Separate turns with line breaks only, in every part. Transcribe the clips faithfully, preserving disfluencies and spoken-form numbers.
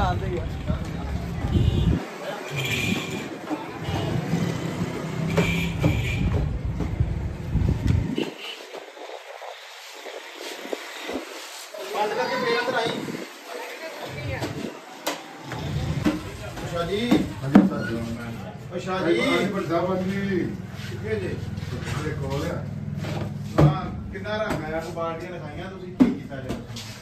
ਜਾਣਦੇ ਹੀ ਆ। ਬੰਦ ਕਰਕੇ ਫੇਰ ਅੰਦਰ ਆਈ। ਅੱਛਾ ਜੀ,
ਹਾਂਜੀ ਸਰ
ਅੱਛਾ ਜੀ,
ਵੱਡਾ ਜੀ
ਕਿੱਥੇ ਜੇ?
ਮੇਰੇ ਕੋਲ ਆ
ਹਾਂ, ਕਿੰਨਾ ਰੰਗ ਆਇਆ? ਕੋ ਬਾਲਟੀਆਂ ਲਿਖਾਈਆਂ ਤੁਸੀਂ, ਕੀ ਕੀਤਾ ਜੀ?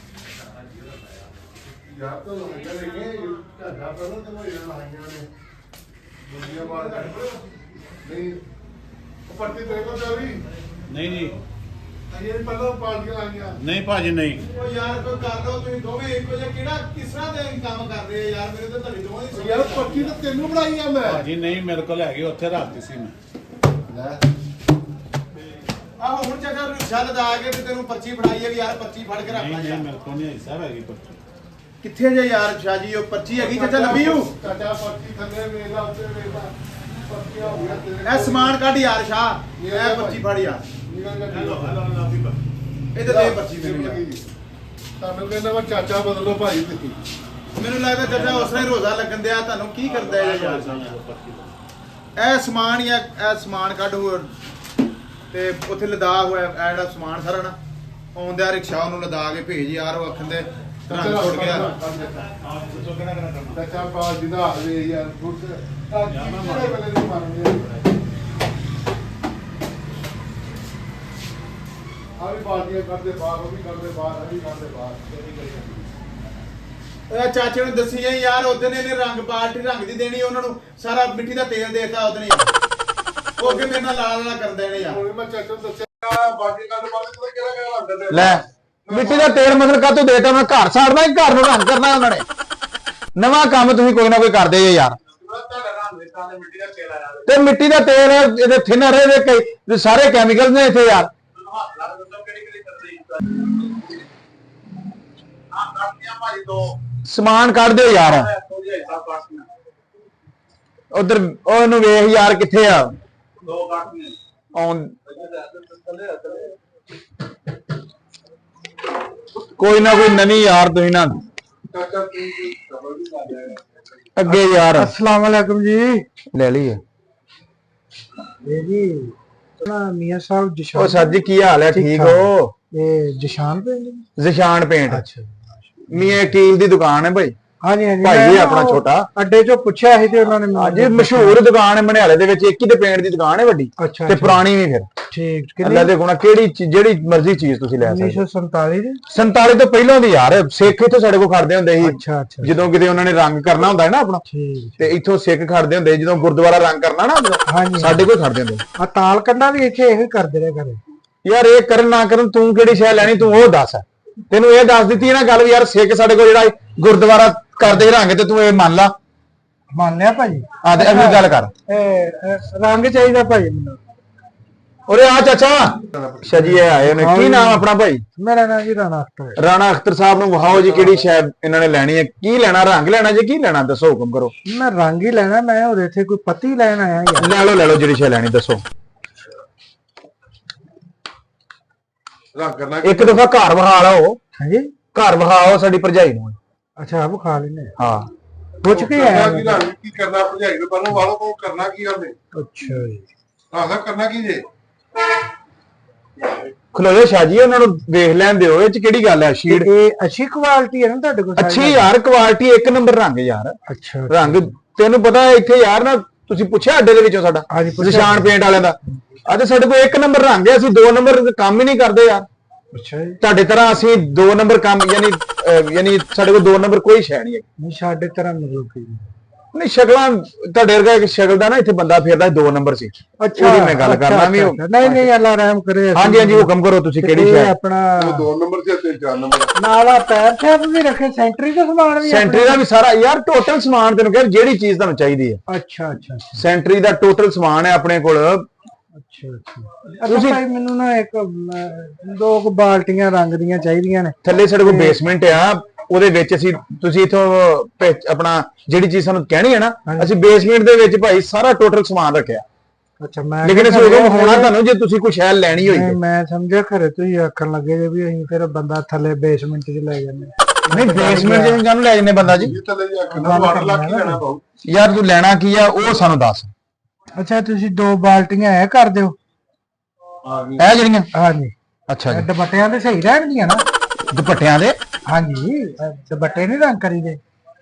ਯਾਰ ਤਾਂ ਲੋਕ ਕਹਿੰਦੇ ਨੇ ਘਾਟਾ ਪਹਿਲਾਂ ਤੇ ਹੋਈ ਨਾ ਲਾਈਆਂ ਨੇ ਦੁਨੀਆ ਬਾਅਦ ਨਹੀਂ ਉਹ ਪੱਟੀ ਤੇਰੇ ਕੋਲ ਚੱਲੀ
ਨਹੀਂ ਜੀ,
ਅਜੇ ਪਹਿਲਾਂ ਪਾਰਟੀਆਂ ਲਾਈਆਂ
ਨਹੀਂ ਭਾਜੀ ਨਹੀਂ।
ਉਹ ਯਾਰ ਕੋਈ ਕਰ ਲਓ ਤੁਸੀਂ ਦੋਵੇਂ ਇੱਕੋ ਜਿਹਾ, ਕਿਹੜਾ ਕਿਸ ਤਰ੍ਹਾਂ ਦੇ ਕੰਮ ਕਰਦੇ ਆ ਯਾਰ? ਮੇਰੇ ਤਾਂ ਤੁਹਾਡੀ ਦੋਵਾਂ ਦੀ ਸਮਝ
ਯਾਰ
ਨਹੀਂ ਆ
ਪੱਟੀ ਤਾਂ ਤੈਨੂੰ ਬਣਾਈ ਆ ਮੈਂ
ਭਾਜੀ ਨਹੀਂ, ਮੇਰੇ ਕੋਲ ਹੈਗੀ, ਉੱਥੇ ਰੱਖਤੀ ਸੀ ਮੈਂ।
ਲੈ
ਆਹੋ ਹੁਣ ਚੱਕਰ ਰਿਕਸ਼ਾ ਲਦਾ ਕੇ ਤੇ ਤੈਨੂੰ ਪਰਚੀ ਫੜਾਈ ਹੈ ਵੀ ਯਾਰ ਪਰਚੀ ਫੜ ਕੇ ਰੱਖ
ਨਹੀਂ
ਲੈ
ਨਹੀਂ,
ਯਾਰ।
ਮੇਰੇ ਕੋਲ ਨਹੀਂ ਹਿੱਸਾ ਹੈਗੀ ਪੱਟੀ।
ਕਿੱਥੇ ਜੇ ਯਾਰ ਸ਼ਾਹ ਜੀ? ਉਹ ਪਰਚੀ ਹੈਗੀ ਚਾਚਾ ਲੱਭੀ ਹੂ।
ਚਾਚਾ ਪੱਟੀ ਥੱਲੇ ਵੇਲਾ ਉੱਤੇ ਵੇਲਾ ਪੱਟੀ ਆ ਗਿਆ ਤੇਰੇ
ਇਹ ਸਮਾਨ ਕੱਢ ਯਾਰ ਸ਼ਾਹ, ਇਹ ਪਰਚੀ ਫੜ ਯਾਰ।
ਹੈਲੋ ਹੈਲੋ ਲਾਫੀ ਪਾ।
ਇਹਦੇ ਦੇ ਪਰਚੀ ਮੈਨੂੰ ਯਾਰ।
ਤੁਹਾਨੂੰ ਕਹਿੰਦਾ ਮੈਂ ਚਾਚਾ ਬਦਲੋ ਭਾਈ ਤੁਸੀਂ
ਮੈਨੂੰ ਲੱਗਦਾ ਚਾਚਾ ਉਸ ਨੇ ਰੋਜ਼ਾ ਲੱਗਣ ਦਿਆ, ਤੁਹਾਨੂੰ ਕੀ ਕਰਦਾ ਇਹ ਯਾਰ? ਇਹ ਸਮਾਨ ਹੀ ਆ, ਇਹ ਸਮਾਨ ਕੱਢ ਹੋਰ ਤੇ ਉੱਥੇ ਲਦਾ ਹੋਇਆ ਇਹ ਜਿਹੜਾ ਸਮਾਨ ਸਾਰਾ ਨਾ ਆਉਂਦਿਆ ਰਿਕਸ਼ਾ ਉਹਨੂੰ ਲਦਾ ਕੇ ਭੇਜ ਯਾਰ। ਉਹ ਅੱਖਾਂ ਦੇ ਰੰਗ ਛੁੱਟ ਗਿਆ।
ਦੱਸੋ ਕਿਹੜਾ ਕਿਹੜਾ ਕਰਨਾ?
ਚਾਚਾ ਬਾਲ ਜਿਹਦਾ ਹਾਲੇ ਯਾਰ ਗੁੱਡ ਆ ਕਿਹੜੇ ਵੇਲੇ ਦੀ ਮਾਰਨੀ ਆ ਵੀ ਬਾਲਟੀਆਂ ਕਰਦੇ ਬਾਹਰ ਉਹ ਵੀ ਕਰਦੇ ਬਾਹਰ ਆ ਵੀ ਕਰਦੇ ਬਾਹਰ
ਇਹ ਚਾਚੇ ਨੂੰ ਦੱਸੀ ਜਾਈ ਯਾਰ, ਉਹਦੇ ਨੇ ਇਹਨੇ ਰੰਗ ਬਾਲਟੀ ਰੰਗ ਦੀ ਦੇਣੀ, ਉਹਨਾਂ ਨੂੰ ਸਾਰਾ ਮਿੱਟੀ ਦਾ ਤੇਲ ਦੇਤਾ ਉਹਦੇ ਨੇ। ਉਹ ਅੱਗੇ ਮੇਰੇ ਨਾਲ ਲਾਲ ਲਾਲ ਕਰ ਦੇਣੇ ਯਾਰ।
ਹੁਣ ਮੈਂ ਚਾਚਾ ਨੂੰ ਦੱਸਿਆ ਬਾਲਟੀ ਕਰਦੇ ਬਾਹਰ ਤੇ ਕਿਹੜਾ ਕਿਹੜਾ ਰੰਗ ਦੇ
ਲੈ ਮਿੱਟੀ ਦਾ ਤੇਲ ਮਤਲਬ ਕਾਹਤੋਂ ਦੇਤਾ? ਮੈਂ ਘਰ ਸਾੜਨਾ ਹੀ, ਘਰ ਨੂੰ ਰੰਗ ਕਰਨਾ ਉਹਨਾਂ ਨੇ। ਨਵਾਂ ਕੰਮ ਤੁਸੀਂ ਕੋਈ ਨਾ ਕੋਈ ਕਰਦੇ ਜੇ ਯਾਰ।
ਤੁਹਾਡਾ ਰੰਗ ਦੇ ਤਾਂ ਮਿੱਟੀ ਦਾ ਤੇਲ ਆਇਆ
ਤੇ ਮਿੱਟੀ ਦਾ ਤੇਲ ਇਹਦੇ ਥਿਨਰ ਇਹਦੇ ਕਈ ਸਾਰੇ ਕੈਮੀਕਲ ਨੇ ਇੱਥੇ ਯਾਰ।
ਹੱਥ ਲਾ ਕੇ ਦੱਸੋ ਕਿਹੜੀ ਕਿਹੜੀ ਕਰਦੇ ਆ ਕਰਦੀਆਂ ਭਾਈ ਦੋ
ਸਮਾਨ ਕੱਢ ਦਿਓ ਯਾਰ। ਉਧਰ ਉਹਨੂੰ ਵੇਖ ਯਾਰ ਕਿੱਥੇ ਆ
ਦੋ ਕੱਟਨੇ
ਆਉਣ। ਕੋਈ ਨਾ ਕੋਈ ਨਵੀਂ ਯਾਰ ਤੁਸੀਂ ਨਾ
ਚਾਚਾ ਤੂੰ ਖਬਰ ਵੀ ਕਰ ਲਿਆ
ਅੱਗੇ ਯਾਰ।
अस्सलाम वालेकुम जी।
ਲੈ ਲਈਏ।
ये जी ना मियां साहब
ਉਹ
जिशान
ਸਰ ਜੀ ਕੀ ਹਾਲ ਹੈ? ਠੀਕ ਹੋ?
ये जिशान पे
ਜ਼ਿਸ਼ਾਨ ਪੇਂਟ
अच्छा
ਮੀਆਂ ਕੀਲ ਦੀ ਦੁਕਾਨ ਹੈ ਭਾਈ।
हाँ जी हाँ जी
भाई
मैं
जी
ना
अपना
वो
छोटा
अड्डे जो पूछा ही थे उन्होंने
ਅੱਜ ਮਸ਼ਹੂਰ ਦੁਕਾਨ ਹੈ ਮਨਿਆਲੇ ਦੇ ਵਿੱਚ, ਇੱਕ ਹੀ ਤੇ ਪੇਂਟ ਦੀ ਦੁਕਾਨ ਹੈ ਵੱਡੀ
अच्छा
ਤੇ ਪੁਰਾਣੀ ਵੀ। ਫਿਰ
ठीक
ਅੱਲਾ ਦੇ ਗੁਣਾ ਕਿਹੜੀ ਚੀ- ਜਿਹੜੀ ਮਰਜ਼ੀ ਚੀਜ਼ ਤੁਸੀਂ ਲੈ
उन्नीस
ਸਕਦੇ
सौ सैंतालीस
ਸੰਤਾਲੀ ਤੋਂ ਪਹਿਲਾਂ ਦੀ ਯਾਰ। ਸਿੱਖ ਇੱਥੋਂ ਸਾਡੇ ਕੋਲ ਖੜਦੇ ਹੁੰਦੇ ਸੀ
अच्छा अच्छा
ਜਦੋਂ ਕਿਤੇ ਉਹਨਾਂ ਨੇ ਰੰਗ ਕਰਨਾ ਹੁੰਦਾ ਹੈ ਨਾ ਆਪਣਾ,
ठीक
ਤੇ ਇੱਥੋਂ ਸਿੱਖ ਖੜਦੇ ਹੁੰਦੇ ਸੀ ਜਦੋਂ ਗੁਰਦੁਆਰਾ ਰੰਗ ਕਰਨਾ ਨਾ ਆਪਣਾ,
हाँ जी
ਸਾਡੇ ਕੋਲ ਖੜਦੇ ਹੁੰਦੇ ਸੀ।
आ ताल कंडा भी इथे यही करते रहे करे।
ਯਾਰ ਇਹ ਕਰਨ ਨਾ ਕਰਨ ਤੂੰ ਕਿਹੜੀ ਸ਼ੈ ਲੈਣੀ ਤੂੰ ਉਹ ਦੱਸ। ਤੈਨੂੰ ਇਹ ਦੱਸ ਦਿੱਤੀ ਹੈ ਨਾ ਗੱਲ ਵੀ ਯਾਰ ਸਿੱਖ ਸਾਡੇ ਕੋਲ ਜਿਹੜਾ ਗੁਰਦੁਆਰਾ ਕਰਦੇ ਰੰਗ ਤੇ ਤੂੰ ਇਹ ਮੰਨ ਲਾ।
मान लिया भाई।
ਆ ਤੇ ਅਗਲੀ ਗੱਲ ਕਰ।
ए, ए, रंग चाहिए भाई मैनू।
ਉਰੇ ਆ ਚਾਚਾ। ਅੱਛਾ ਜੀ ਇਹ ਆਏ ਨੇ। ਕੀ ਨਾਮ ਆਪਣਾ ਭਾਈ?
मेरा नाम जी राणा अख्तर है।
ਰਾਣਾ ਅਖਤਰ ਸਾਹਿਬ ਨੂੰ ਵਿਖਾਓ ਜੀ ਕਿਹੜੀ ਸ਼ੈ ਇਹਨਾਂ ਨੇ ਲੈਣੀ ਹੈ। ਕੀ ਲੈਣਾ? ਰੰਗ ਲੈਣਾ ਜੇ ਕੀ ਲੈਣਾ ਦੱਸੋ, ਹੁਕਮ ਕਰੋ।
मैं रंग ही लेना, मैं और इथे कोई पत्ती लेना आया यार।
ਲੈ ਲਓ ਲੈ ਲਓ ਜਿਹੜੀ ਸ਼ੈ ਲੈਣੀ ਦੱਸੋ।
ਰੰਗ ਕਰਨਾ
ਇੱਕ ਦਫਾ ਘਰ ਵਿਖਾ ਲਓ।
हाँ जी
ਘਰ ਵਿਖਾਓ ਸਾਡੀ ਭਰਜਾਈ ਨੂੰ।
अच्छा अब खा लेने
ਹਾਂ
पूछ के आया
ਕੀ ਰੰਗ ਕੀ ਕਰਨਾ ਭਜਾਈ ਨੂੰ ਪਹਿਲਾਂ ਵਾਲੋ ਕੋ ਕਰਨਾ ਕੀ ਉਹਨੇ
अच्छा जी
ਆਹ ਕਰਨਾ ਕੀ ਜੇ
ਖਲੋਜੋ ਸ਼ਾਹ ਜੀ, ਉਹਨਾਂ ਨੂੰ ਵੇਖ ਲੈਣ ਦਿਓ। ਇਹ ਚ ਕਿਹੜੀ ਗੱਲ ਹੈ? ਸ਼ੀਟ
ਇਹ ਅੱਛੀ ਕੁਆਲਿਟੀ ਹੈ ਨਾ ਤੁਹਾਡੇ ਕੋਲ?
ਅੱਛੀ ਯਾਰ, ਕੁਆਲਿਟੀ ਇੱਕ ਨੰਬਰ ਰੰਗ ਯਾਰ।
ਅੱਛਾ
ਰੰਗ ਤੈਨੂੰ ਪਤਾ ਹੈ ਇੱਥੇ ਯਾਰ ਨਾ, ਤੁਸੀਂ ਪੁੱਛਿਆ ਅੱਡੇ ਦੇ ਵਿੱਚੋਂ ਸਾਡਾ
ਹਾਂਜੀ, ਪੁੱਛਿਆ।
ਨਿਸ਼ਾਨ ਪੇਂਟ ਵਾਲਿਆਂ ਦਾ। ਅੱਜ ਸਾਡੇ ਕੋਲ ਇੱਕ ਨੰਬਰ ਰੰਗ ਹੈ, ਅਸੀਂ ਦੋ ਨੰਬਰ ਕੰਮ ਹੀ ਨਹੀਂ ਕਰਦੇ ਯਾਰ।
ਅੱਛਾ ਜੀ।
ਤੁਹਾਡੇ ਤਰ੍ਹਾਂ ਅਸੀਂ ਦੋ ਨੰਬਰ ਕੰਮ ਯਾਨੀ ਅਹ ਯਾਨੀ ਸਾਡੇ ਕੋਲ ਦੋ ਨੰਬਰ ਕੋਈ ਸ਼ੈ ਨਹੀਂ ਹੈ।
ਨਹੀਂ ਸਾਡੇ ਤਰ੍ਹਾਂ ਮਤਲਬ ਕੀ?
ਨਹੀਂ ਸ਼ਕਲਾਂ ਤੁਹਾਡੇ ਵਰਗਾ ਇੱਕ ਸ਼ਕਲ ਦਾ ਨਾ ਇੱਥੇ ਬੰਦਾ ਫਿਰਦਾ ਦੋ ਨੰਬਰ ਸੀ। ਉਹਦੀ ਮੈਂ ਗੱਲ ਕਰਨਾ ਵੀ।
ਨਹੀਂ ਨਹੀਂ ਅੱਲਾ ਰਹਿਮ ਕਰੇ।
ਹਾਂਜੀ ਹਾਂਜੀ ਹੁਕਮ ਕਰੋ ਤੁਸੀਂ ਕਿਹੜੀ ਸ਼ੈ?
ਆਪਣਾ
ਉਹ ਦੋ ਨੰਬਰ ਤੇ ਤੇ ਚਾਰ ਨੰਬਰ
ਨਾਲਾ ਪੈਰ ਛਾਪ ਵੀ ਰੱਖੇ, ਸੈਂਟਰੀ ਦਾ ਸਮਾਨ ਵੀ
ਸੈਂਟਰੀ ਦਾ ਵੀ ਸਾਰਾ ਯਾਰ ਟੋਟਲ ਸਮਾਨ ਤੈਨੂੰ ਕਹਿੰਦਾ ਜਿਹੜੀ ਚੀਜ਼ ਤੁਹਾਨੂੰ ਚਾਹੀਦੀ ਹੈ।
ਅੱਛਾ ਅੱਛਾ
ਸੈਂਟਰੀ ਦਾ ਟੋਟਲ ਸਮਾਨ ਹੈ ਆਪਣੇ ਕੋਲ।
ਅੱਛਾ ਅੱਛਾ ਤੁਸੀਂ ਭਾਈ ਮੈਨੂੰ ਨਾ ਇੱਕ ਅਮ, ਦੋ ਕੁ ਬਾਲਟੀਆਂ ਰੰਗ ਦੀਆਂ ਚਾਹੀਦੀਆਂ ਨੇ।
ਥੱਲੇ ਸਾਡੇ ਕੋਲ ਬੇਸਮੈਂਟ ਆ, ਉਹਦੇ ਵਿੱਚ ਅਸੀਂ ਤੁਸੀਂ ਇਥੋਂ ਆਪਣਾ ਜਿਹੜੀ ਚੀਜ਼ ਸਾਨੂੰ ਕਹਿਣੀ ਹੈ ਨਾ, ਅਸੀਂ ਬੇਸਮੈਂਟ ਦੇ ਵਿੱਚ ਭਾਈ ਸਾਰਾ ਟੋਟਲ ਸਮਾਨ ਰੱਖਿਆ।
ਅੱਛਾ ਮੈਂ
ਲੇਕਿਨ ਅਸੀਂ ਉਦੋਂ ਹੋਣਾ ਤੁਹਾਨੂੰ ਜੇ ਤੁਸੀਂ ਕੁਝ ਹੈ ਲੈਣੀ ਹੋਈ।
ਮੈਂ ਸਮਝਿਆ ਖਰੇ ਤੁਸੀਂ ਆਖਣ ਲੱਗੇ ਜੇ ਵੀ ਅਸੀਂ ਫਿਰ ਬੰਦਾ ਥੱਲੇ ਬੇਸਮੈਂਟ 'ਚ ਲੈ ਜਾਂਦੇ।
ਨਹੀਂ ਬੇਸਮੈਂਟ ਦੇ ਜਾਨੂੰ ਲੈ ਜਨੇ ਬੰਦਾ ਜੀ
ਇਹ ਥੱਲੇ ਜਾ ਕੇ ਵਾਟਰ ਲੱਗ ਕੇ ਲੈਣਾ ਪਾਉ
ਯਾਰ ਤੂੰ ਲੈਣਾ ਕੀ ਆ ਉਹ ਸਾਨੂੰ ਦੱਸ।
ਅੱਛਾ ਤੁਸੀਂ ਦੋ ਬਾਲਟੀਆਂ ਇਹ ਕਰ ਦਿਓ
ਇਹ ਜਿਹੜੀਆਂ
ਹਾਂਜੀ
ਅੱਛਾ ਜੀ
ਦੁਪੱਟਿਆਂ ਤੇ ਸਹੀ ਰਹਿਣਗੀਆਂ ਨਾ
ਦੁਪੱਟਿਆਂ ਦੇ
ਹਾਂਜੀ ਅਹ ਦੁਪੱਟੇ ਨਹੀਂ ਰੰਗ ਕਰੀਦੇ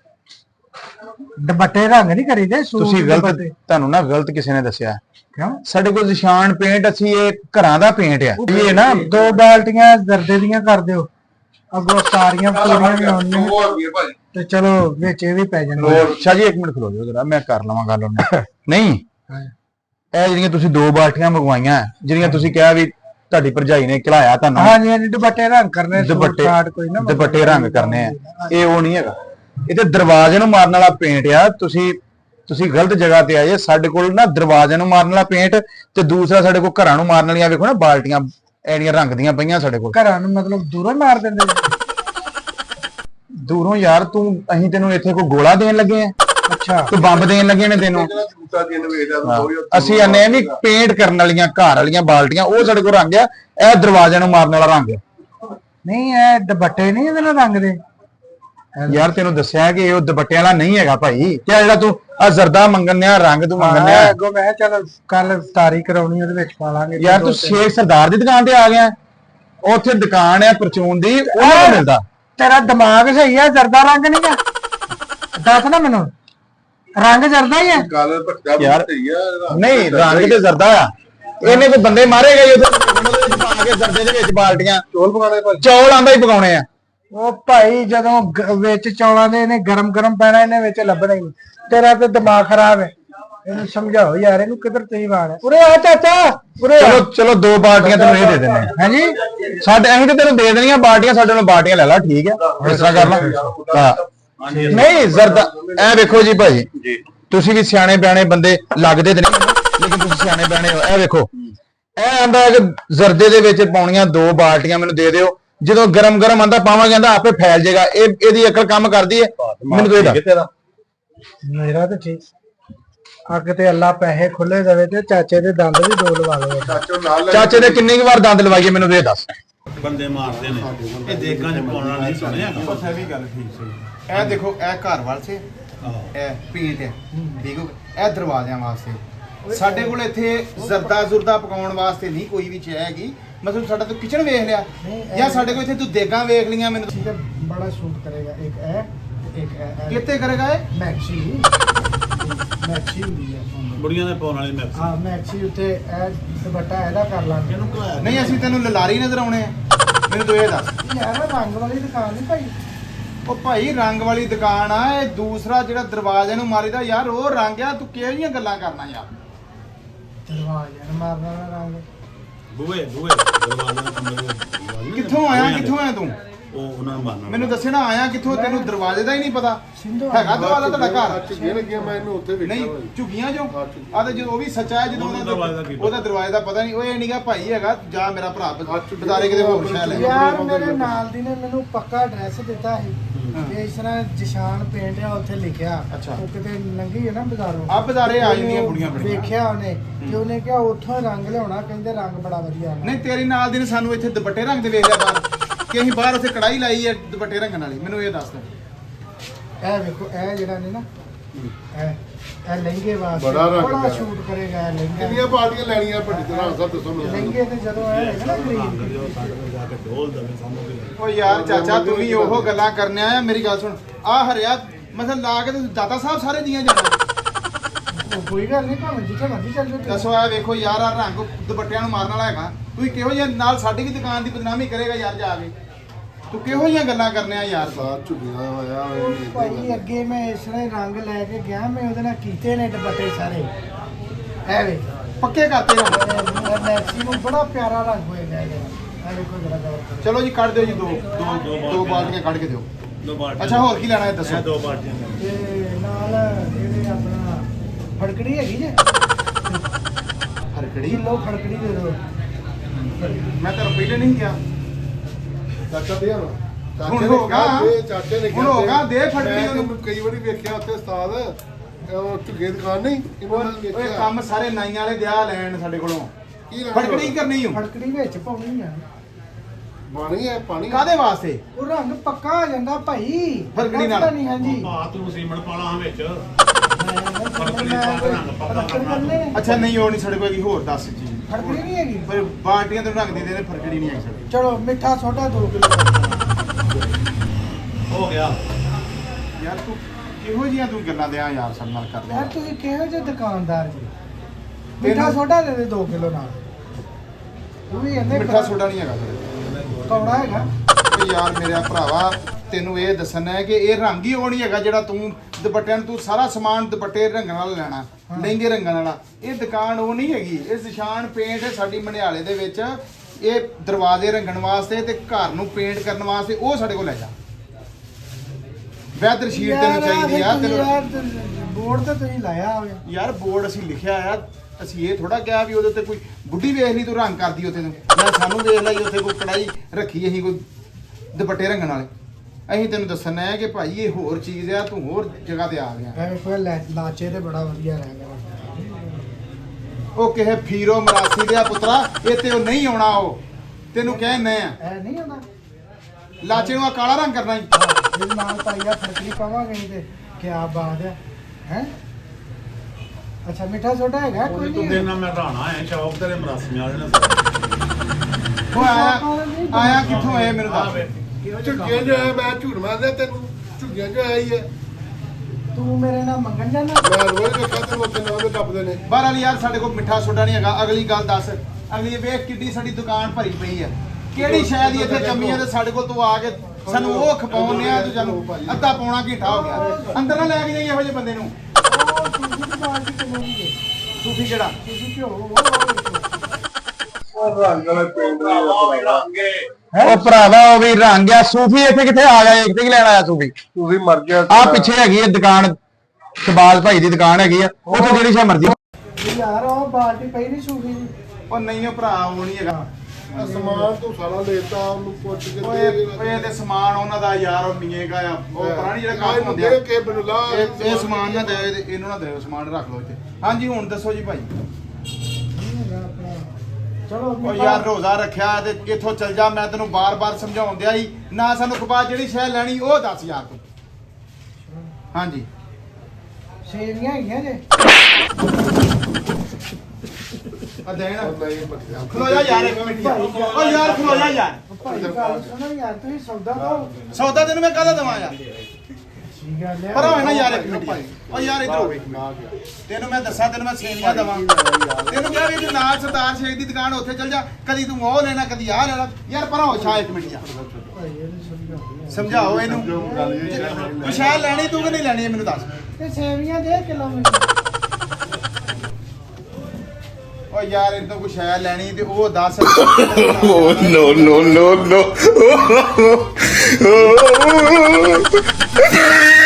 ਦੁਪੱਟੇ ਰੰਗ ਨਹੀਂ ਕਰੀਦੇ ਸੂਟ
ਤੁਸੀਂ ਗਲਤ
ਦੁਪੱਟੇ।
ਤੁਹਾਨੂੰ ਨਾ ਗਲਤ ਕਿਸੇ ਨੇ ਦੱਸਿਆ
ਕਿਉਂ
ਸਾਡੇ ਕੋਲ ਨਿਸ਼ਾਨ ਪੇਂਟ ਅਸੀਂ ਇਹ ਘਰਾਂ ਦਾ ਪੇਂਟ ਆ ਇਹ ਨਾ
ਦੋ ਬਾਲਟੀਆਂ ਦਰਦੇ ਦੀਆਂ ਕਰ ਦਿਓ ਅੱਗੋਂ ਸਾਰੀਆਂ ਪੂਰੀਆਂ ਵੀ ਆਉਣੀਆਂ
ਉਹ ਆ ਗਈ ਭਾਜੀ
ਤੇ ਚਲੋ ਵਿੱਚ ਇਹ ਵੀ ਪੈ ਜਾਣਗੇ
ਅੱਛਾ ਜੀ ਇੱਕ ਮਿੰਟ ਖਲੋ ਜਾਓ ਜਰਾ ਮੈਂ ਕਰ ਲਵਾਂ ਗੱਲ ਉਹਨੇ ਨਹੀਂ ਇਹ ਜਿਹੜੀਆਂ ਤੁਸੀਂ ਦੋ ਬਾਲਟੀਆਂ ਮੰਗਵਾਈਆਂ ਜਿਹੜੀਆਂ ਤੁਸੀਂ ਕਿਹਾ ਵੀ ਤੁਹਾਡੀ ਭਰਜਾਈ ਨੇ ਖਿਲਾਇਆ ਤੁਹਾਨੂੰ
ਹਾਂਜੀ ਹਾਂਜੀ ਦੁਪੱਟੇ ਰੰਗ ਕਰਨੇ ਸੂਟ
ਦੁਪੱਟੇ
ਸਾਟ ਕੋਈ ਨਾ
ਦੁਪੱਟੇ ਰੰਗ ਕਰਨੇ ਆ ਇਹ ਉਹ ਨਹੀਂ ਹੈਗਾ ਇਹ ਤੇ ਦਰਵਾਜ਼ੇ ਨੂੰ ਮਾਰਨ ਵਾਲਾ ਪੇਂਟ ਆ ਤੁਸੀਂ ਤੁਸੀਂ ਗਲਤ ਜਗ੍ਹਾ ਤੇ ਆਏ ਸਾਡੇ ਕੋਲ ਨਾ ਦਰਵਾਜ਼ੇ ਨੂੰ ਮਾਰਨ ਵਾਲਾ ਪੇਂਟ ਤੇ ਦੂਸਰਾ ਸਾਡੇ ਕੋਲ ਘਰਾਂ ਨੂੰ ਮਾਰਨ ਵਾਲੀਆਂ ਵੇਖੋ ਨਾ ਬਾਲਟੀਆਂ ਐੜੀਆਂ ਰੰਗ ਦੀਆਂ ਪਈਆਂ ਸਾਡੇ ਕੋਲ
ਘਰਾਂ ਨੂੰ ਮਤਲਬ ਦੂਰੋਂ ਮਾਰ ਦਿੰਦੇ ਜੀ।
ਦੂਰੋਂ ਯਾਰ ਤੂੰ ਅਸੀਂ ਤੈਨੂੰ ਇੱਥੇ ਕੋਈ ਗੋਲਾ ਦੇਣ ਲੱਗੇ ਆ
ਅੱਛਾ
ਕੋਈ ਬੰਬ ਦੇਣ ਲੱਗੇ ਨੇ ਤੈਨੂੰ
ਜਿਹੜਾ ਜੂਤਾ ਦਿਨ ਵੇਚਦਾ ਉਹ
ਅਸੀਂ ਆਨੇ ਵੀ ਪੇਂਟ ਕਰਨ ਵਾਲੀਆਂ ਘਰ ਵਾਲੀਆਂ ਬਾਲਟੀਆਂ ਉਹ ਸਾਡੇ ਕੋਲ ਰੰਗ ਆ ਇਹ ਦਰਵਾਜ਼ਿਆਂ ਨੂੰ ਮਾਰਨ ਵਾਲਾ ਰੰਗ ਆ
ਨਹੀਂ ਇਹ ਦੁਪੱਟੇ ਨਹੀਂ ਇਹਦੇ ਨਾਲ ਰੰਗ ਦੇ
ਯਾਰ ਤੈਨੂੰ ਦੱਸਿਆ ਕਿ ਇਹ ਦੁਪੱਟੇ ਵਾਲਾ ਨਹੀਂ ਹੈਗਾ ਭਾਈ ਤੇ ਆਹ ਜਿਹੜਾ ਤੂੰ ਆ ਜ਼ਰਦਾ ਮੰਗਣਿਆ ਰੰਗ ਤੂੰ ਮੰਗਣਿਆ
ਹਾਂ, ਅੱਗੋਂ ਮੈਂ ਕਿਹਾ ਚੱਲ ਕੱਲ ਤਾਰੀ ਕਰਾਉਣੀ ਉਹਦੇ ਵਿੱਚ ਪਾ ਲਾਂਗੇ
ਯਾਰ ਤੂੰ ਸ਼ੇਖ ਸਰਦਾਰ ਦੀ ਦੁਕਾਨ ਤੇ ਆ ਗਿਆ ਉੱਥੇ ਦੁਕਾਨ ਹੈ ਪਰਚੂਨ ਦੀ ਉਹਨਾਂ ਕੋਲ ਮਿਲਦਾ
ਤੇਰਾ ਦਿਮਾਗ ਸਹੀ ਆ ਜਰਦਾ ਰੰਗ ਨਹੀਂ ਆ ਦੱਸ ਨਾ ਮੈਨੂੰ ਰੰਗ ਜਰਦਾ ਹੀ ਹੈ
ਗੱਲ ਭੱਜਾ
ਯਾਰ,
ਸਹੀ ਆ
ਨਹੀਂ ਰੰਗ ਤੇ ਜ਼ਰਦਾ ਆ ਇਹਨੇ ਕੋਈ ਬੰਦੇ ਮਾਰੇ ਗਏ ਉਧਰ ਪਾ ਕੇ ਜ਼ਰਦੇ ਦੇ ਵਿੱਚ ਬਾਲਟੀਆਂ
ਚੋਲ ਪਕਾਣੇ ਭਾਜੀ
ਚੌਲ ਆਂਦਾ ਹੀ ਪਕਾਉਣੇ ਆ
ਉਹ ਭਾਈ ਜਦੋਂ ਗ- ਵਿੱਚ ਚੌਲਾਂ ਦੇ ਇਹਨੇ ਗਰਮ ਗਰਮ ਪੈਣਾ ਇਹਨੇ ਵਿੱਚ ਲੱਭਣਾ ਹੀ ਨਹੀਂ। ਤੇਰਾ ਤੇ ਦਿਮਾਗ ਖਰਾਬ ਹੈ ਇਹਨੂੰ ਸਮਝਾਓ ਯਾਰ ਇਹਨੂੰ ਕਿੱਧਰ ਤੁਸੀਂ ਵਾਣਾ ਉਰੇ ਆ ਚਾਚਾ ਉਰੇ ਆ
ਚਲੋ ਚਲੋ ਦੋ ਬਾਲਟੀਆਂ ਤੈਨੂੰ ਇਹ ਦੇ ਦਿੰਦੇ ਆ
ਹਾਂਜੀ
ਸਾਡੇ ਅਸੀਂ ਤੇ ਤੈਨੂੰ ਦੇ ਦੇਣੀਆਂ ਬਾਲਟੀਆਂ ਸਾਡੇ ਨਾਲ ਬਾਲਟੀਆਂ ਲੈ ਲਾ ਠੀਕ ਹੈ ਇਸ ਤਰ੍ਹਾਂ ਕਰ ਲਾ ਹਾਂ ਨਹੀਂ ਜ਼ਰਦਾ ਇਹ ਵੇਖੋ ਜੀ ਭਾਈ ਤੁਸੀਂ ਵੀ ਸਿਆਣੇ ਬਿਆਣੇ ਬੰਦੇ ਲੱਗਦੇ ਤੇ ਨਹੀਂ ਲੇਕਿਨ ਤੁਸੀਂ ਸਿਆਣੇ ਬਿਆਣੇ ਹੋ ਇਹ ਵੇਖੋ ਇਹ ਆਂਦਾ ਕਿ ਜ਼ਰਦੇ ਦੇ ਵਿੱਚ ਪਾਉਣੀਆਂ ਦੋ ਬਾਲਟੀਆਂ ਮੈਨੂੰ ਦੇ ਦਿਓ ਜਦੋਂ ਗਰਮ ਗਰਮ ਆਂਦਾ ਪਾਵਾਂਗੇ ਆਂਦਾ ਆਪੇ ਫੈਲ ਜਾਏਗਾ ਇਹ ਇਹਦੀ ਅਕਲ ਕੰਮ ਕਰਦੀ ਹੈ ਮੈਨੂੰ ਤੂੰ ਇਹ ਦੱਸ
ਮੇਰਾ ਤੇ ਠੀਕ ਅੱਗ ਤੇ ਅੱਲਾ ਪੈਸੇ ਖੁੱਲੇ ਦੇਵੇ ਤੇ ਚਾਚੇ ਦੇ ਦੰਦ ਵੀ ਦੋ ਲਵਾ ਲਵੇ
ਚਾਚੋ ਨਾਲ ਲੈ
ਚਾਚੇ ਦੇ ਕਿੰਨੀ ਕੁ ਵਾਰ ਦੰਦ ਲਵਾਈਏ ਮੈਨੂੰ ਇਹ ਦੱਸ
ਬੰਦੇ ਮਾਰਦੇ ਨੇ ਇਹ ਦੇਗਾਂ ਚ ਪਾਉਣਾ ਨਹੀਂ ਸੁਣਿਆ
ਬਸ ਇਹ ਵੀ ਗੱਲ ਠੀਕ ਸਹੀ ਇਹ ਦੇਖੋ ਇਹ ਘਰ ਵਾਸਤੇ ਇਹ ਪੇਂਟ ਹੈ ਠੀਕ ਹੋ ਗਿਆ ਇਹ ਦਰਵਾਜ਼ਿਆਂ ਵਾਸਤੇ ਸਾਡੇ ਕੋਲ ਇੱਥੇ ਜ਼ਰਦਾ ਜ਼ੁਰਦਾ ਪਕਾਉਣ ਵਾਸਤੇ ਨਹੀਂ ਕੋਈ ਵੀ ਚੀਜ਼ ਹੈਗੀ ਮਤਲਬ ਸਾਡਾ ਤੂੰ ਕਿਚਨ ਵੇਖ ਲਿਆ ਜਾਂ ਸਾਡੇ ਕੋਲ ਇੱਥੇ ਤੂੰ ਦੇਗਾਂ ਵੇਖ ਲੀਆਂ ਮੈਨੂੰ
ਠੀਕ ਹੈ ਬੜਾ ਸ਼ੂਟ ਕਰੇਗਾ ਇੱਕ ਇਹ ਤੇ ਇੱਕ ਇਹ
ਕਿੱਥੇ ਕਰੇਗਾ ਇਹ
ਮੈਕਸੀ ਮੈਕਸੀ ਹੁੰਦੀ ਹੈ
ਬੁੜੀਆਂ ਦੇ ਪਾਉਣ ਵਾਲੇ ਮੈਕਸ
ਹਾਂ ਮੈਕਸੀ ਉੱਤੇ ਇਹ ਦੁਪੱਟਾ ਇਹਦਾ ਕਰ ਲਾਂਗੇ
ਇਹਨੂੰ ਘਲਾਇਆ
ਨਹੀਂ ਅਸੀਂ ਤੈਨੂੰ ਲਲਾਰੀ ਨਜ਼ਰ ਆਉਣੇ ਆ ਮੈਨੂੰ ਤੂੰ ਇਹ ਦੱਸ
ਯਾਰ ਰੰਗ ਵਾਲੀ ਦੁਕਾਨ ਨਹੀਂ ਭਾਈ
ਉਹ ਭਾਈ ਰੰਗ ਵਾਲੀ ਦੁਕਾਨ ਆ ਇਹ ਦੂਸਰਾ ਜਿਹੜਾ ਦਰਵਾਜ਼ੇ ਨੂੰ ਮਾਰੀਦਾ ਯਾਰ ਉਹ ਰੰਗ ਆ ਤੂੰ ਕਿਹੜੀਆਂ ਗੱਲਾਂ ਕਰਨਾ ਯਾਰ
ਦਰਵਾਜ਼ੇ ਨੂੰ ਮਾਰਨਾ ਵਾਲਾ ਰੰਗ
ਬੂਏ ਬੂਏ ਦਰਵਾਜ਼ਾ ਕਮਰੇ
ਕਿੱਥੋਂ ਆਇਆ ਕਿੱਥੋਂ ਆਇਆ ਤੂੰ
ਉਹ ਉਹਨਾਂ ਨੂੰ ਮਾਰਨਾ
ਮੈਨੂੰ ਦੱਸੇ ਨਾ ਆਇਆ ਕਿੱਥੋਂ ਤੈਨੂੰ ਦਰਵਾਜ਼ੇ ਦਾ ਹੀ ਨਹੀਂ ਪਤਾ
ਸਿੰਧੂ
ਹੈਗਾ ਦਰਵਾਜ਼ਾ ਤੁਹਾਡਾ ਘਰ
ਝੁੱਗੀਆਂ ਲੱਗੀਆਂ ਮੈਂ ਇਹਨੂੰ ਉੱਥੇ ਵੇਖਿਆ
ਨਹੀਂ
ਭਾਜੀ।
ਝੁਗੀਆਂ ਜੋ ਆ ਤੇ ਜਦੋਂ ਉਹ ਵੀ ਸੱਚਾ ਹੈ ਜਦੋਂ
ਉਹਨੂੰ
ਉਹਦਾ
ਦਰਵਾਜ਼ੇ ਦਾ ਕੀ ਪਤਾ?
ਉਹਦਾ ਦਰਵਾਜ਼ੇ ਦਾ ਪਤਾ ਨਹੀਂ ਉਹ ਇਹ ਨਹੀਂਗਾ ਭਾਈ ਹੈਗਾ ਜਾਂ ਮੇਰਾ ਭਰਾ ਬਦਾਰੇ ਕਿਤੇ ਹੋਰ ਸ਼ਹਿਰ ਲੈ
ਯਾਰ ਮੇਰੇ ਨਾਲ ਦੀ ਨੇ ਮੈਨੂੰ ਪੱਕਾ ਐਡਰੈਸ ਦਿੱਤਾ ਸੀ ਕਿ ਇਸ ਤਰ੍ਹਾਂ ਜਿਸ਼ਾਨ ਪੇਂਟ ਆ ਉੱਥੇ ਲਿਖਿਆ
ਅੱਛਾ।
ਉਹ ਕਿਤੇ ਲੰਗੀ ਹੈ ਨਾ ਬਾਜ਼ਾਰੋਂ
ਆ ਬਜ਼ਾਰੇ ਆ ਜਾਂਦੀਆਂ ਬੁੜੀਆਂ ਬੜੀਆਂ
ਵੇਖਿਆ ਉਹਨੇ ਤੇ ਉਹਨੇ ਕਿਹਾ ਉੱਥੋਂ ਹੀ ਰੰਗ ਲਿਆਉਣਾ ਕਹਿੰਦੇ ਰੰਗ ਬੜਾ ਵਧੀਆ ਆਉਣਾ।
ਨਹੀਂ ਤੇਰੀ ਨਾਲ ਦੀ ਨੇ ਸਾਨੂੰ ਇੱਥੇ ਦੁਪੱਟੇ ਰੰਗ ਦੇ ਵੇਖ ਲਿਆ ਬਾਹਰ ਕਿ ਅਸੀਂ ਬਾਹਰ ਉੱਥੇ ਕੜਾਈ ਲਾਈ ਹੈ ਦੁਪੱਟੇ ਰੰਗਣ ਵਾਲੀ ਮੈਨੂੰ ਇਹ ਦੱਸ ਦੇ
ਇਹ ਵੇਖੋ ਇਹ ਜਿਹੜਾ ਨੇ ਨਾ ਇਹ ਇਹ ਲਹਿੰਗੇ ਵਾਸਤੇ
ਬੜਾ ਰੰਗ
ਬੜਾ
ਪਿਆ।
ਸ਼ੂਟ ਕਰੇਗਾ ਇਹ ਲਹਿੰਗਾ
ਕਿੰਨੀਆਂ ਪਾਰਟੀਆਂ ਲੈਣੀਆਂ ਵੱਡੀ ਤਰ੍ਹਾਂ ਸਭ ਦੱਸੋ ਮੈਨੂੰ
ਲਹਿੰਗੇ ਤੇ ਜਦੋਂ ਇਹ ਹੈਗਾ ਨਾ ਗ੍ਰੀਨ
ਜੋ ਸਾਡੇ ਕੋਲ ਜਾ ਕੇ ਢੋਲ ਦਵੇ ਸਾਨੂੰ ਵੀ
ਓ ਯਾਰ ਚਾਚਾ ਤੂੰ ਵੀ ਉਹ ਗੱਲਾਂ ਕਰਨੇ ਆ ਮੇਰੀ ਗੱਲ ਸੁਣ ਆ ਹਰਿਆ ਮਸਲ ਲਾ ਕੇ ਤੂੰ ਦਾਤਾ ਸਾਹਿਬ ਸਾਰੇ ਦੀਆਂ ਜਾਣਾ
ਕੋਈ ਗੱਲ ਨਹੀਂ ਭਾਵੇਂ ਜਿੱਥੇ ਮਰਜ਼ੀ ਚੱਲ ਜਾਓ
ਦੱਸੋ ਆ ਵੇਖੋ ਯਾਰ ਆ ਰੰਗ ਦੁਪੱਟਿਆਂ ਨੂੰ ਮਾਰਨ ਵਾਲਾ ਹੈਗਾ ਤੂੰ ਕਿਹੋ ਜਿਹਾ ਨਾਲ ਸਾਡੀ ਵੀ ਦੁਕਾਨ ਦੀ ਬਦਨਾਮੀ ਕਰੇਗਾ ਯਾਰ ਜਾ ਕੇ ਤੂੰ ਕਿਹੋ ਜਿਹੀਆਂ ਗੱਲਾਂ ਕਰਨੇ ਆ ਯਾਰ
ਸਾਰ ਝੁੱਗੀਆਂ ਹੋਇਆ
ਉਹ ਭਾਈ ਅੱਗੇ ਮੈਂ ਇਸ ਤਰ੍ਹਾਂ ਹੀ ਰੰਗ ਲੈ ਕੇ ਗਿਆ ਮੈਂ ਉਹਦੇ ਨਾਲ ਕੀਤੇ ਨੇ ਦੁਪੱਟੇ ਸਾਰੇ ਐ ਵੇ
ਪੱਕੇ ਕਰਤੇ ਰੰਗ
ਮੈਕਸੀ ਨੂੰ ਬੜਾ ਪਿਆਰਾ ਰੰਗ ਹੋਏਗਾ ਇਹਦੇ ਨਾਲ ਐ ਵੇਖੋ ਜਰਾ ਗੌਰ ਕਰੋ
ਚਲੋ ਜੀ ਕੱਢ ਦਿਓ ਜੀ ਦੋ ਦੋ ਦੋ ਬਾਲਟੀਆਂ ਕੱਢ ਕੇ ਦਿਓ
ਦੋ ਬਾਲਟੀਆਂ
ਅੱਛਾ ਹੋਰ ਕੀ ਲੈਣਾ ਹੈ
ਇਹ
ਦੱਸੋ
ਦੋ ਬਾਲਟੀਆਂ
ਤੇ ਨਾਲ ਇਹਦੇ ਆਪਣਾ ਫੜਕੜੀ ਹੈਗੀ ਜੇ
ਹਰਕੜੀ
ਕਿਲੋ ਫੜਕੜੀ ਦੇ ਦਿਓ
ਮੈਂ ਤਾਂ ਪਹਿਲੇ ਨਹੀਂ ਗਿਆ
ਚਾਚਾ ਦੇ ਨਾ ਚਾਚੇ
ਹੁਣ
ਨੇ
ਹੋਗਾ।
ਕਿਹਾ ਦੇ, ਚਾਚੇ ਨੇ
ਹੁਣ
ਕਿਹਾ
ਹੋਗਾ, ਦੇ ਫੜਕੜੀ
ਮੈਂ
ਉਹਨੂੰ।
ਤੈਨੂੰ ਕਈ ਵਾਰੀ ਵੇਖਿਆ ਉੱਥੇ ਉਸਤਾਦ ਉਹ ਝੁੱਗੇ ਦੁਕਾਨ ਨਹੀਂ ਇਹਨਾਂ ਨਾਲ
ਓਏ
ਵੇਖਿਆ
ਕੰਮ ਸਾਰੇ ਨਾਈਆਂ ਵਾਲੇ ਦਿਆ ਲੈਣ ਸਾਡੇ ਕੋਲੋਂ
ਕੀ ਲੈਣਾ
ਫੜਕੜੀ ਕਰਨੀ ਹੂੰ
ਫੜਕੜੀ ਵਿੱਚ ਪਾਉਣੀ ਆ
ਪਾਣੀ ਹੈ ਪਾਣੀ
ਕਾਦੇ ਵਾਸਤੇ?
ਉਹ ਰੰਗ ਪੱਕਾ ਹੋ ਜਾਂਦਾ ਭਾਈ
ਫਰਕੜੀ ਨਾਲ।
ਨਹੀਂ ਹਾਂਜੀ
ਪਾ ਤੂੰ ਸੀਮਣ ਪਾਲਾ ਵਿੱਚ
ਫਰਕੜੀ
ਅੱਛਾ ਨਹੀਂ ਉਹ ਨਹੀਂ ਸਾਡੇ ਕੋਲ ਹੈਗੀ, ਹੋਰ ਦੱਸ ਚੀਜ਼।
ਫਰਕੜੀ ਨਹੀਂ ਹੈਗੀ।
ਪਰ ਬਾਲਟੀਆਂ ਤੋਂ ਰੰਗ ਦਿੰਦੇ ਨੇ, ਫਰਕੜੀ ਨਹੀਂ ਹੈਗੀ ਸਾਡੇ।
ਚਲੋ ਮਿੱਠਾ ਸੋਡਾ ਦੋ ਕਿਲੋ
ਹੋ ਗਿਆ।
ਯਾਰ ਤੂੰ ਕਿਹੋ ਜਿਹੀਆਂ ਤੂੰ ਗੱਲਾਂ ਦਿਆਂ ਯਾਰ ਸਾਡੇ ਨਾਲ
ਯਾਰ
ਕਰਦਾ।
ਤੁਸੀਂ ਕਿਹੋ ਜਿਹੇ ਦੁਕਾਨਦਾਰ ਜੀ? ਮਿੱਠਾ ਸੋਡਾ ਦੇ ਦੇ ਦੋ ਕਿਲੋ ਨਾਲ। ਉਹ ਵੀ ਇਹਨੇ
ਮਿੱਠਾ ਸੋਡਾ ਨਹੀਂ ਹੈਗਾ ਸਾਡੇ
ਕੌੜਾ ਹੈਗਾ।
ਕੋਲ। ਯਾਰ ਮੇਰਾ ਭਰਾਵਾ ਤੈਨੂੰ ਇਹ ਦੱਸਣਾ ਹੈ ਕਿ ਇਹ ਰੰਗ ਹੀ ਉਹ ਨਹੀਂ ਹੈਗਾ ਜਿਹੜਾ ਤੂੰ ਦੁਪੱਟਿਆਂ ਨੂੰ ਤੂੰ ਸਾਰਾ ਸਮਾਨ ਦੁਪੱਟੇ ਰੰਗਾਂ ਨਾਲ ਲੈਣਾ, ਲਹਿੰਗੇ ਰੰਗਾਂ ਵਾਲਾ। ਇਹ ਦੁਕਾਨ ਉਹ ਨਹੀਂ ਹੈਗੀ। ਇਹ ਨਿਸ਼ਾਨ ਪੇਂਟ ਹੈ ਸਾਡੀ ਮੰਡਿਆਲੇ ਦੇ ਵਿੱਚ। ਇਹ ਦਰਵਾਜ਼ੇ ਰੰਗਣ ਵਾਸਤੇ ਤੇ ਘਰ ਨੂੰ ਪੇਂਟ ਕਰਨ ਵਾਸਤੇ ਉਹ ਸਾਡੇ ਕੋਲ ਲੈ ਜਾ। ਵੈਦਰ ਸ਼ੀਟ ਤੈਨੂੰ ਚਾਹੀਦੀ ਆ ਤੈਨੂੰ।
ਬੋਰਡ ਤੇ ਤੁਸੀਂ ਲਾਇਆ ਹੋਵੇ।
ਯਾਰ ਬੋਰਡ ਅਸੀਂ ਲਿਖਿਆ ਆ, ਅਸੀਂ ਇਹ ਥੋੜਾ ਕਿਹਾ ਵੀ ਉਹਦੇ ਉੱਤੇ ਕੋਈ ਬੁੱਢੀ ਵੇਖ ਲਈ ਤੂੰ ਰੰਗ ਕਰਦੀ ਉੱਤੇ ਨੂੰ, ਜਾਂ ਸਾਨੂੰ ਵੇਖ ਲਈ ਉੱਥੇ ਕੋਈ ਕੜਾਈ ਰੱਖੀ ਅਸੀਂ ਕੋਈ ਦੁਪੱਟੇ ਰੰਗਣ ਵਾਲੇ। ਅਸੀਂ ਤੈਨੂੰ ਦੱਸਣਾ ਹੈ ਕਿ ਭਾਈ ਇਹ ਹੋਰ ਚੀਜ਼ ਆ, ਤੂੰ ਹੋਰ ਜਗ੍ਹਾ ਤੇ ਆ ਗਿਆ।
ਐਵੇਂ ਕੋਈ ਲਾਚੇ ਤੇ ਬੜਾ ਵਧੀਆ ਰਹਿੰਦਾ।
ਉਹ ਕਿਸੇ ਫੀਰੋ ਮਰਾਸੀ ਦੇ ਆ ਪੁੱਤਰਾ, ਇਹ ਤੇ ਉਹ ਨਹੀਂ ਆਉਣਾ। ਉਹ ਤੈਨੂੰ ਕਹਿੰਨੇ ਆ
ਐ ਨਹੀਂ ਹੁੰਦਾ।
ਲਾਚੇ ਨੂੰ ਆ ਕਾਲਾ ਰੰਗ ਕਰਨਾ ਹੀ।
ਇਹਦੇ ਨਾਲ ਪਾਈਆ ਫਰਕੜੀ ਪਾਵਾਂਗੇ ਤੇ ਕੀ ਬਾਤ ਹੈ ਹੈ। ਅੱਛਾ ਮਿੱਠਾ ਸੋਡਾ ਹੈਗਾ ਕੋਈ
ਤੂੰ
ਨਹੀਂ।
ਦੇਣਾ ਮੈਂ ਰਾਣਾ ਹੈ ਸ਼ੌਕ ਤੇਰੇ ਮਰਾਸੀਆਂ ਵਾਲੇ ਨੇ।
ਉਹ ਆਇਆ ਆਇਆ ਕਿੱਥੋਂ ਆਇਆ ਮੈਨੂੰ ਦੱਸ।
ਝੁੱਗੀਆਂ ਜੋ ਹੈ ਮੈਂ ਝੂਠ ਮਾਰਦਾ ਤੈਨੂੰ। ਝੁੱਗੀਆਂ ਜੋ ਆਈ ਹੈ
ਤੂੰ ਮੇਰੇ ਨਾਲ ਮੰਗਣ ਜਾਣਾ।
ਮੈਂ ਰੋਜ਼ ਵੇਖਾਂ ਤੈਨੂੰ ਉੱਥੇ ਨਾਮ ਦੱਬਦੇ ਨੇ।
ਬਾਹਰ ਵਾਲੀ ਯਾਰ ਸਾਡੇ ਕੋਲ ਮਿੱਠਾ ਸੋਡਾ ਨਹੀਂ ਹੈਗਾ। ਅਗਲੀ ਗੱਲ ਦੱਸ। ਅਗਲੀ ਵੇਖ ਕਿੱਡੀ ਸਾਡੀ ਦੁਕਾਨ ਭਰੀ ਪਈ ਆ। ਕਿਹੜੀ ਸ਼ੈ ਦੀ ਇੱਥੇ ਕਮੀ ਆ ਤੇ ਸਾਡੇ ਕੋਲ ਤੂੰ ਆ ਕੇ ਸਾਨੂੰ ਉਹ ਖਪਾਉਣੇ ਆ। ਤੂੰ ਸਾਨੂੰ ਅੱਧਾ ਪੌਣਾ ਘੰਟਾ ਹੋ ਗਿਆ। ਅੰਦਰ ਨਾ ਲੈ ਕੇ ਜਾਈਂ ਇਹੋ ਜਿਹੇ ਬੰਦੇ ਨੂੰ।
ਉਹ ਤੁਸੀਂ ਦੀ ਪਾਰਟੀ ਕਮਾਉਂਗੇ।
ਸੂਫੀ ਕਿਹੜਾ?
ਤੁਸੀਂ ਕਿਉਂ ਉਹ
ਉਹ ਰੰਗ ਵਾਲੇ ਪਿੰਡ ਦੇ
ਉਹ ਭਰਾਵਾ ਉਹ ਵੀ ਰੰਗ ਆ। ਸੂਫੀ ਇੱਥੇ ਕਿੱਥੇ ਆ ਗਿਆ? ਇੱਕ ਤੇ ਕੀ ਲੈਣ ਆਇਆ ਸੂਫੀ?
ਤੁਸੀਂ ਮਰ ਗਿਆ।
ਆ ਪਿੱਛੇ ਹੈਗੀ ਹੈ ਦੁਕਾਨ, ਸ਼ਬਾਜ਼ ਭਾਈ ਦੀ ਦੁਕਾਨ ਹੈਗੀ ਆ, ਉੱਥੇ ਜਿਹੜੀ ਸ਼ੈ ਮਰਜ਼ੀ।
ਯਾਰ ਉਹ ਬਾਲਟੀ ਪਈ ਨਹੀਂ ਸੂਫੀ ਦੀ।
ਉਹ ਨਹੀਂ ਉਹ ਭਰਾ ਉਹ ਨਹੀਂ ਹੈਗਾ।
ਸਮਾਨ ਤੂੰ ਸਾਰਾ ਲੈਤਾ ਉਹਨੂੰ ਪੁੱਛ ਕੇ
ਓਏ ਓਏ ਤੇ ਸਮਾਨ ਉਹਨਾਂ ਦਾ ਯਾਰ ਉਹ ਮੀਏਗਾ ਆ। ਉਹ ਪੁਰਾਣੀ ਜਿਹੜਾ ਕੰਮ ਹੁੰਦੇ ਆ।
ਦੇ ਕੇ ਮੈਨੂੰ ਲਾ
ਇਹ ਇਹ ਸਮਾਨ ਨਾ ਦਿਓ, ਇਹਦੇ- ਇਹਨੂੰ ਨਾ ਦਿਓ ਸਮਾਨ, ਰੱਖ ਲਓ ਇੱਥੇ। ਹਾਂਜੀ ਹੁਣ ਦੱਸੋ ਜੀ ਭਾਈ।
ਚਲੋ
ਉਹ ਯਾਰ ਰੋਜ਼ਾ ਰੱਖਿਆ ਤੇ ਇੱਥੋਂ ਚੱਲ ਜਾ। ਮੈਂ ਤੈਨੂੰ ਬਾਰ-ਬਾਰ ਸਮਝਾਉਣ ਦਿਆ ਸੀ ਨਾ। ਸਾਨੂੰ ਖਬਾ ਜਿਹੜੀ ਸ਼ੈ ਲੈਣੀ ਉਹ ਦੱਸ ਯਾਰ ਤੂੰ। ਹਾਂਜੀ
ਸੇਵੀਆਂ ਹੈਗੀਆਂ ਜੇ।
ਆ ਦੇਣਾ
ਨਹੀਂ ਬੱਚਿਆ
ਖਲੋ ਜਾ ਯਾਰ ਇੱਕ ਮਿੰਟ ਯਾਰ। ਓ ਯਾਰ ਖਲੋ ਜਾ ਯਾਰ।
ਭਾਈ ਗੱਲ ਸੁਣੋ ਯਾਰ ਤੁਸੀਂ ਸੌਦਾ ਦੋ।
ਸੌਦਾ ਤੈਨੂੰ ਮੈਂ ਕਾਹਦਾ ਦੇਵਾਂ ਯਾਰ?
ਠੀਕ ਗੱਲ ਹੈ।
ਪਰ ਹੋਏ ਨਾ ਯਾਰ ਇੱਕ ਮਿੰਟ। ਓ ਯਾਰ ਇਧਰ ਹੋ ਤੈਨੂੰ ਮੈਂ ਦੱਸਾਂ, ਤੈਨੂੰ ਮੈਂ ਸੇਵੀਆਂ ਦੇਵਾਂ। ਤੈਨੂੰ ਕਿਹਾ ਵੀ ਤੂੰ ਨਾਲ ਸਰਦਾਰ ਸ਼ੇਖ ਦੀ ਦੁਕਾਨ ਉੱਥੇ ਚੱਲ ਜਾ। ਕਦੀ ਤੂੰ ਉਹ ਲੈਣਾ ਕਦੀ ਆਹ ਲੈਣਾ। ਯਾਰ ਪਰ ਹੋ ਸ਼ਾ ਇੱਕ ਮਿੰਟ ਯਾਰ।
ਭਾਈ ਇਹਨੂੰ ਸਮਝਾਓ।
ਸਮਝਾਓ ਇਹਨੂੰ। ਤੂੰ ਸ਼ਾਇਦ ਲੈਣੀ ਤੂੰ ਕਿ ਨਹੀਂ ਲੈਣੀ ਮੈਨੂੰ ਦੱਸ।
ਤੇ ਸੇਵੀਆਂ ਦੇ ਕਿਲੋ ਮੈਨੂੰ।
ਓ ਯਾਰ ਇਹ ਤੋਂ ਕੁਛ ਸ਼ਾਇਦ ਲੈਣੀ ਤੇ ਉਹ ਦੱਸ।
no, no, no, no.